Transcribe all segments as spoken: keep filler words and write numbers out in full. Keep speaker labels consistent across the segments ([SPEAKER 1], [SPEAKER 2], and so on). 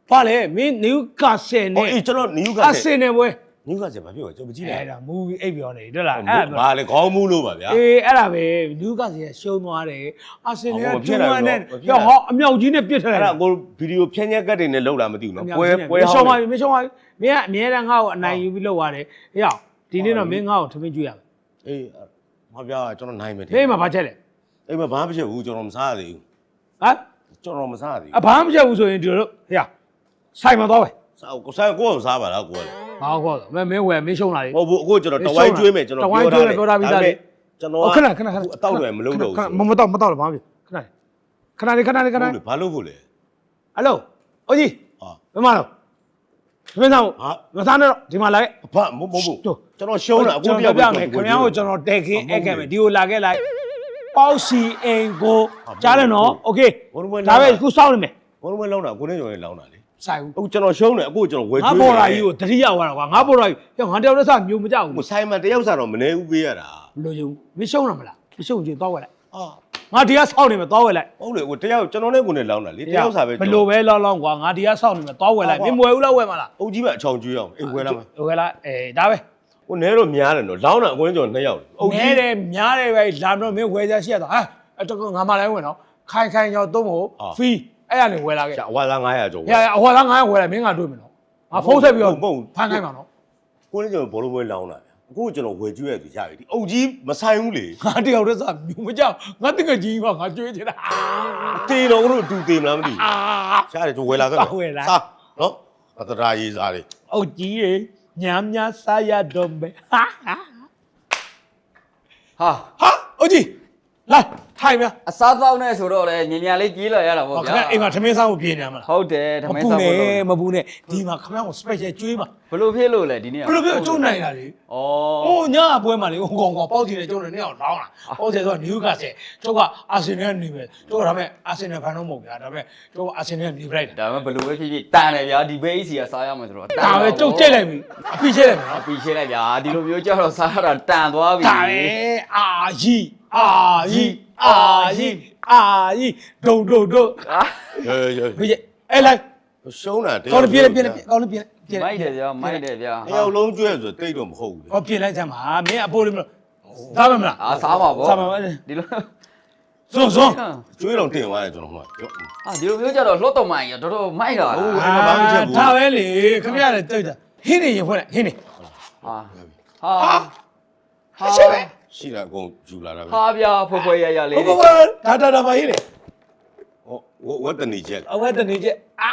[SPEAKER 1] ဘာလဲမင်းနယူကာဆယ်နဲ့
[SPEAKER 2] အေးကျွန်တော်နယူကာ
[SPEAKER 1] အာ
[SPEAKER 2] ဆ
[SPEAKER 1] ဆ
[SPEAKER 2] ယ်
[SPEAKER 1] င်နယ်ပွဲ
[SPEAKER 2] နယူကာဆယ်ဘာပြောကျွန်တော်မကြည့်လိုက်
[SPEAKER 1] အဲ့ဒါမူဗီအိပ်ပြောနေတယ်လားအဲ့ဒါ
[SPEAKER 2] ဘာလဲခေါင်းမူးလို့ပါဗျာ
[SPEAKER 1] အေးအဲ့ဒါပဲနယူကာဆယ်ရှုံးသွားတယ်အာဆင်နယ်ကတူဝမ်းနဲ့ရောဟောအမြောက်ကြီးနဲ့ပြစ်ထားတယ်
[SPEAKER 2] အဲ့ဒါကိုဗီဒီယိုဖြန်းချက်ကတ်တွေနဲ့လောက်လာမသိဘူးနော်ပွဲပွဲ
[SPEAKER 1] ရှုံး
[SPEAKER 2] ဟော
[SPEAKER 1] ပါ
[SPEAKER 2] င်း
[SPEAKER 1] ပြီမရှုံးပါဘူးမင်းကအမြဲတမ်းငါ့ကိုအနိုင်ယူပြီးလောက်ရတယ်ဟေ့ရောက်ဒီနေ့တော့မင်းငါ့ကိုထမင်းကျွေးရမယ်
[SPEAKER 2] အေးမဗျာကျွန်တော်နိုင်မယ်
[SPEAKER 1] ဟေးမှာဘာချက်လဲ
[SPEAKER 2] အေးမဘာမဖြစ်ဘူးကျွန်တော်မစားသေးဘူး
[SPEAKER 1] ဟမ်
[SPEAKER 2] ကျွန်တော်မစားသေး
[SPEAKER 1] အဘာမှမချက်ဘူးဆိုရင်ဒီလိုဟေ့ရောက်ဆိုင်မှာတော့ပဲ
[SPEAKER 2] စားကိုဆိုင်ကိုယ်စားပါလားကိုယ်
[SPEAKER 1] ဘာခေါ်တော့မင်းမင်းဝယ်မင်းရှုံးလာလေ
[SPEAKER 2] ဟုတ်ဘူးအခုကျွန်တော်တဝိုင်းကျွေးမယ်ကျွန်တော်ပြောထားတယ်ကျွန်တော်ခဏခဏအတောက်တွေမလုံးတော့ဘူး
[SPEAKER 1] မမတော့မတော့ဘာမှခဏခဏလေးခဏလေးခဏလေး
[SPEAKER 2] ဘာလို့ဖို့လဲ
[SPEAKER 1] ဟယ်လိုအိုကြီး
[SPEAKER 2] ဟာ
[SPEAKER 1] ဘယ်မှာတော့မင်းသား
[SPEAKER 2] ဟာ
[SPEAKER 1] မသားနဲ့တော့ဒီမှာလာခဲ့
[SPEAKER 2] ဘာမဟုတ်ဘူးကျွန်တော်ရှုံးတာအခုတယောက်
[SPEAKER 1] ပြမယ်ခင်ဗျားကိုကျွန်တော်တဲခင်းအဲ့ခဲ့မယ်ဒီကိုလာခဲ့လိုက်ပေါက်စီအင်ကိုကြားတယ်နော်โอเคဒါပဲခုစောင့်နေမယ်
[SPEAKER 2] ဘုံဘုံလောင်းတာကိုနေကျော်လေးလောင်းတာလေ
[SPEAKER 1] ဆိုင်ဘူး
[SPEAKER 2] အခုကျွန်တော်ရှုံးတယ်အခုကျွန်တော်ဝယ်
[SPEAKER 1] ငါ
[SPEAKER 2] ကျွေး
[SPEAKER 1] ပေါ်လာကြီးကိုတတိယဝါတော့ကွာငါပေါ်လာကြီးဟဲ့ငါတယောက်တည်းစမျိုးမကြောက်ဘူး
[SPEAKER 2] ဟိုဆိုင်မှာတယောက်စားတော့မနေဘူးပေးရတာ
[SPEAKER 1] လိုချင်ဘူးမရှုံးတော့မလားမရှုံးချင်သွားဝယ်လိုက်
[SPEAKER 2] အာ
[SPEAKER 1] ငါဒီကစောင့်နေမယ်သွားဝယ်လိုက်
[SPEAKER 2] ဟုတ်လေဟိုတယောက်ကျွန်တော်နဲ့ကိုနေလောင်းတာလေတယောက်စားပဲ
[SPEAKER 1] ဘလို့ပဲလောလောကွာငါဒီကစောင့်နေမယ်သွားဝယ်လိုက်မင်းမဝယ်ဘူးလားဝယ်မလား
[SPEAKER 2] အုပ်ကြီးပဲအချောင်ကျွေးအောင်အေးဝယ်လာမှာ
[SPEAKER 1] ဝယ်လာအေးဒါပဲ
[SPEAKER 2] ဟိုနဲတော့များတယ်နော်လောင်းတာအကွင်းကျော်နှစ်ယောက်အုပ်
[SPEAKER 1] နဲ
[SPEAKER 2] ကြီး
[SPEAKER 1] တယ်များတယ်ပဲလာတော့မင်းဝယ်ကြရှိရတော့ဟာအဲ့တော့ငါမလိုက်ဝင်တော့ခိုင်ခိုင်ရောက်သုံးဖို့ဖီးအဲ့ရနေဝယ်လာခဲ့
[SPEAKER 2] အဝါသား900ကျော်
[SPEAKER 1] ရရအဟောသားငါဝယ်လိုက်မင်းကတွေ့မယ်နော်ငါဖုန်းဆက်ပြီးတော့ဖမ်းခိုင်းပါနော်
[SPEAKER 2] ကိုနေကျော်ဘောလုံးပွဲလောင်းတာဗျအခုကျွန်တော်ဝယ်ကျွေးရသူရပြီဒီအုပ်ကြီးမဆိုင်ဘူးလေ
[SPEAKER 1] ငါတယောက်တည်းစမြူမကြောက်ငါတကယ်ကြီးပါငါကြွေးချင်တာ
[SPEAKER 2] တေတော်တို့အတူတေမလားမသိ
[SPEAKER 1] အာ
[SPEAKER 2] ဘူးရှားတယ်ကျွန်တော်ဝယ်လာခဲ့
[SPEAKER 1] ဝယ်လာ
[SPEAKER 2] စားနော်အတရာရေးစားလေ
[SPEAKER 1] အုတ်ကြီးရေညာညာစားရတော့မယ်ဟာဟာ
[SPEAKER 3] ဟာ
[SPEAKER 1] ဟာအုတ်ကြီးလာထိုင်မြ
[SPEAKER 3] အစားသောက်နဲ့ဆိုတော့လေညင်ညာလေးကြီးလာရတာပေါ့
[SPEAKER 1] ဟောခ
[SPEAKER 3] ဗျာ
[SPEAKER 1] ဏအိမ်မှာထမင်းစားဖို့ပြင်နေမှာလား
[SPEAKER 3] ဟုတ်တယ်ဓ
[SPEAKER 1] မ
[SPEAKER 3] မင်း
[SPEAKER 1] ပူ
[SPEAKER 3] စားဖို့
[SPEAKER 1] နဲ့
[SPEAKER 3] လို့
[SPEAKER 1] မပူနဲ့ဒီမှာခမရကို special ကျွေးပါ
[SPEAKER 3] ဘလို့ဖြစ်လို့လဲဒီနေ့
[SPEAKER 1] ဘယ်လိုပြောကျုံနိုင်တာလေ
[SPEAKER 3] ဩ
[SPEAKER 1] ဟိုညအပွဲမှာလေဟိုကောင်ကောင်ပေါက်တင်နေကျုံနေနေအောင်လောင်းလာပေါက်တယ်ဆိုတော့နယူကာဆယ်ကျုပ်ကအာဆင်နယ်နေပဲကျုပ်ကဒါပေမဲ့အာဆင်နယ်ဖန်တော့မဟုတ်ဗျာဒါပေမဲ့ကျုပ်ကအာဆင်နယ်နေပလိုက်တာ
[SPEAKER 3] ဒါမှဘလို့ပဲဖြစ်ဖြစ်တန်တယ်ဗျာဒီဘေးစီကစားရမယ်ဆိုတော့
[SPEAKER 1] ဒါပဲကျုပ်ကြိတ်လိုက်ပြီအပိချိတ်လိုက်မယ်နော်
[SPEAKER 3] ပြီးရှင်းလိုက်ဗျာဒီလိုမျိုးကြောက်တော့စားရတာတန်သွားပြီ
[SPEAKER 1] ဒါပဲအာကြီးအာကြီးအာကြီးအာကြီးဒုံဒုံဒုံ
[SPEAKER 3] ဟာ
[SPEAKER 2] ရေရေ
[SPEAKER 1] ဘယ်အဲ့လိုက်
[SPEAKER 2] ရှုံးတာတ
[SPEAKER 1] ကောင်းပြည့်ပြည့်ကောင်းပြည့်ပြည့်
[SPEAKER 3] မိုက်တယ်ဗျာမိုက်တယ်ဗျာ
[SPEAKER 2] တယောက်လုံးကျွေးဆိုတိတ်တော့မဟုတ်ဘူးလေ
[SPEAKER 1] ဟောပြည့်လိုက်စမ်းပါမင်းအဖိုးလေးမလို့သားမမလား
[SPEAKER 3] အာစားပါဗော
[SPEAKER 1] စားပါမ
[SPEAKER 3] ဒီလို
[SPEAKER 1] စွန်းစွန်း
[SPEAKER 2] ကျွေးတော့တင်သွားတယ်ကျွန်တော်မှပြော
[SPEAKER 3] အာဒီလိုမျိုးကြတော့လှော့တော်မိုင်းရတော်တော်မိုက်တာ
[SPEAKER 2] ဟုတ်
[SPEAKER 3] ဟာ
[SPEAKER 1] အာဒါပဲလေခင်ဗျားလည်းတိတ်တာဟင်းနေရင်ဖွင့်လိုက်ဟင်းနေ
[SPEAKER 3] ဟာဟာဟာ
[SPEAKER 1] ရှိပဲ
[SPEAKER 2] ရှိတာအကုန်ယူလာတာပဲ
[SPEAKER 3] ဟာဗျာဖွယ်ဖွယ်ရရလေး
[SPEAKER 1] ဟုတ်ပါဘူးဒါဒါဒါပါဟင်းနေ
[SPEAKER 2] ဟောဝတ်တနေချက်
[SPEAKER 1] အဝဲတနေချက်အာ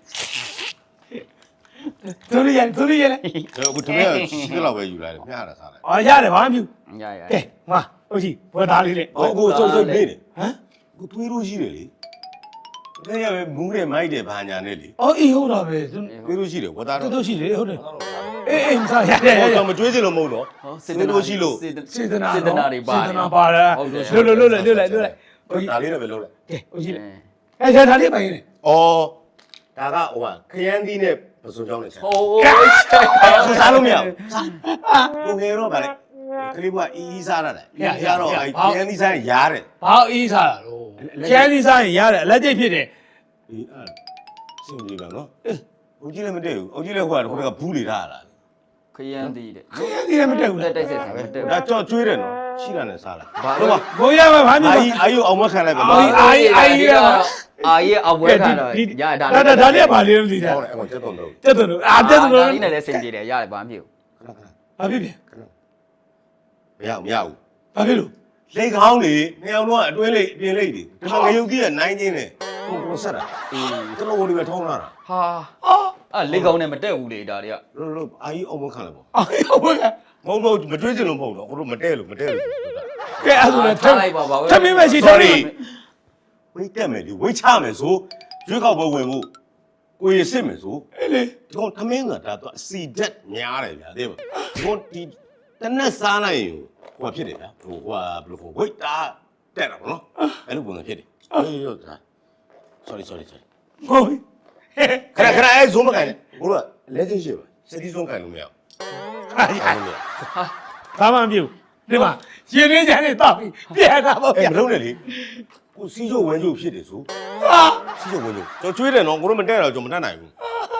[SPEAKER 1] သူရရင်သူရရင်
[SPEAKER 2] အခုတမန်ရှိတဲ့လောက်ပဲယူလာတယ်မျှတာစားလိုက်
[SPEAKER 1] အော်ရတယ်ဘာမှမပြု
[SPEAKER 3] ရရ
[SPEAKER 1] ကဲငါဟုတ်ကြီးဘွယ်သားလေးလေ
[SPEAKER 2] ဟောအခုစုံစုံနေတယ်
[SPEAKER 1] ဟမ်
[SPEAKER 2] ကိုသွေးလို့ရှိတယ်လေတကယ်ပဲမူးတယ်မိုက်တယ်ဘာညာနဲ့လေ
[SPEAKER 1] အော်အေးဟုတ်တာပဲသူ
[SPEAKER 2] သွေးလို့ရှိတယ်ဝတ်သား
[SPEAKER 1] တူ
[SPEAKER 2] တော့
[SPEAKER 1] တူရှိတယ်ဟုတ်တယ်အေးအေးမစားရတယ်ရ
[SPEAKER 2] ဟော
[SPEAKER 1] ရ
[SPEAKER 2] တော့မကျွေးချင်လို့မဟုတ်တော့
[SPEAKER 3] ဟော
[SPEAKER 2] သွေးလို့ရှိလို့
[SPEAKER 1] စေတနာ
[SPEAKER 3] စေတနာတွေပါ
[SPEAKER 1] စေတနာပါလားလွတ်လွတ်လွတ်လွတ်လွတ်လိုက်လွတ်လိုက်ဟုတ်ကြီး
[SPEAKER 2] ဒါလေးလည်းပဲလုပ်လိုက်က
[SPEAKER 1] ဲဟုတ်ကြီးအဲ့ဒါဒါလေးပါရင်လေ
[SPEAKER 2] ဩဒါကဟိုကခရမ်းသီးနဲ့ပစုံချောင်းနဲ့ချက်
[SPEAKER 3] ဟိုး
[SPEAKER 2] ဆူစားလို့မရဘူးစားကိုငယ်တော့ဗါလေကလေးကအီးအီးစားရတယ်အီးစားတော့အဲခရမ်းသီးစားရားတယ်
[SPEAKER 1] ဘာအေးစားတာလို့ကျန်းစီစားရင်ရတယ်အလက်ကျိတ်ဖြစ်တယ်
[SPEAKER 2] အေးအဲ့စင်ကြီးပါနော်အုတ်ကြီးလည်းမတည့်ဘူးအုတ်ကြီးလည်းဟိုကဟိုကဘူးလေထားတာ
[SPEAKER 3] ခရမ်းသေးတယ်
[SPEAKER 1] ခရမ်းစီလည်းမတက်ဘူး
[SPEAKER 3] တက်
[SPEAKER 1] လား
[SPEAKER 3] တိုက်ဆက်စားမတက်
[SPEAKER 2] ဒါကြောက်ကျွေးတယ်နော်ရှိတာနဲ့စားလိုက်
[SPEAKER 3] ဘာ
[SPEAKER 2] ဟုတ်ပါ
[SPEAKER 1] ဘိုးရမှာဘာမျိုး
[SPEAKER 2] အာကြီးအာကြီးအောင်မခံလိုက်ပါ
[SPEAKER 1] အာ
[SPEAKER 2] နော်
[SPEAKER 1] ကြီးအာကြီးအာကြီးက
[SPEAKER 3] အာရဲ့အဝဲခံတော့ရဒါ
[SPEAKER 1] ဒါဒါဒါလေးကဘာလေးလို့သိတာ
[SPEAKER 2] ဟုတ်တယ်အခုချက်တော့တော့
[SPEAKER 1] တက်တယ်လို့အာတက်တယ်လို့
[SPEAKER 3] ဒီနဲ့လည်းစင်ပြေတယ်ရတယ်ဘာမှမဖြစ်ဘူး
[SPEAKER 2] ခဏခဏ
[SPEAKER 1] ဘာဖြစ်ပြန်
[SPEAKER 2] မရဘူးမရဘူး
[SPEAKER 1] ဘာဖြစ်လို့
[SPEAKER 2] လေကောင်းလေနှစ်ယောက်လုံးကအတွင်းလေးအပြင်လေးတွေဒီမှာငရုတ်ကြီးကနိုင်ချင်းနဲ့ဟိုကိုဆက်တာအေးကျွန်တော်တို့ပဲထုံးလာတာ
[SPEAKER 3] ဟာအော်အဲ့လေကောင်းနဲ့မတက်ဘူးလေဒါတွေက
[SPEAKER 2] လို့လို့အာကြီးအောင်မခံလိုက်ပါ
[SPEAKER 1] အာဟုတ်ပါကဲ
[SPEAKER 2] မဟုတ်ဘူးမတွေးချင်လို့မဟုတ်တော့ကိုတို့မတဲလို့မတဲလို့
[SPEAKER 1] ကဲအဲ့ဒါလည်းထ
[SPEAKER 3] ထားလိုက်ပါဘာ
[SPEAKER 1] ထမင်းမရှိထမင်း
[SPEAKER 2] ဝိတ်တက်မယ်လေဝိတ်ချမယ်ဆိုရွေးကောက်ပွဲဝင်မှုကိုရစစ်မယ်ဆို
[SPEAKER 1] အေးလေ
[SPEAKER 2] ဒီကောင်သမင်းကဒါတော့အစီဓာတ်များတယ်ဗျာသိမဒီကောင်ဒီတနက်စားလိုက်ရင်ဟိုဖြစ်တယ်ဗျာဟိုဟိုဘယ်လိုခေါ်ဝိတ်တာတက်တာပေါ့နော်အဲ့လိုပုံစံဖြစ်တယ်အေးဟုတ်တာ sorry sorry sorry
[SPEAKER 1] ဟုတ်ပြီ
[SPEAKER 2] ခဏခဏအဲဇုံးမကန်နဲ့ဘိုးကလက်ချင်းရှိပါစတီဇုံးကန်လို့မရဘူး
[SPEAKER 1] ဟာရဘာမှမပြုတ်ဒီမှာရှင်ရင်းချမ်းနေတော့ပြီပြန်တာပေါ့
[SPEAKER 2] အဲ
[SPEAKER 1] ဗျာ
[SPEAKER 2] မလုံးနဲ့လေကိုစီးချိုဝဲချိုဖြစ်တယ်ဆို
[SPEAKER 1] ဟာ
[SPEAKER 2] စီးချိုဝဲချိုကျွန်တော်ကျွေးတယ်နော်ကိုတို့မတက်တော့ကျွန်တော်မတတ်နိုင်ဘူး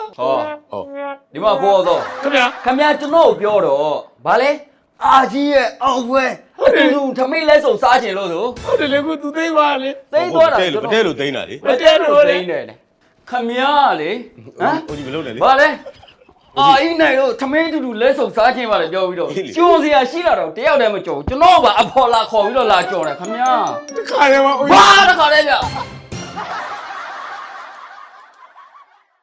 [SPEAKER 3] ဟော
[SPEAKER 2] ဟုတ်
[SPEAKER 3] ဒီမှာကိုတော့
[SPEAKER 1] ခင်ဗျာ
[SPEAKER 3] ခမရကျွန်တော်ပြောတော့ဗာလဲအာကြီးရဲ့အောင်ပွဲအတူတူထမိတ်လဲစုံစားခြင်းလို့ဆို
[SPEAKER 1] ဟုတ်တယ်လေကိုသူသိပါလေ
[SPEAKER 3] သိသွားတာ
[SPEAKER 2] တဲ့လို့တဲ့လို့သိနေတာလေ
[SPEAKER 3] မတဲလို့သိနေတယ်ခမရလေဟမ်
[SPEAKER 2] ဟိုကြီးမလုပ်နဲ့လေ
[SPEAKER 3] ဗာလဲအာအင်းနိုင်တော့ထမင်းတူတူလဲစုံစားခြင်းပါလေပြောပြီးတော့ကျိုးစရာရှိလာတော့တယောက်တည်းမကြော်ဘူးကျွန်တော်ကအဖော်လာခေါ်ပြီးတော့လာကြော်တယ်ခမရ
[SPEAKER 1] တခါတည်းမှာ
[SPEAKER 3] ဘာတခါလဲဗျ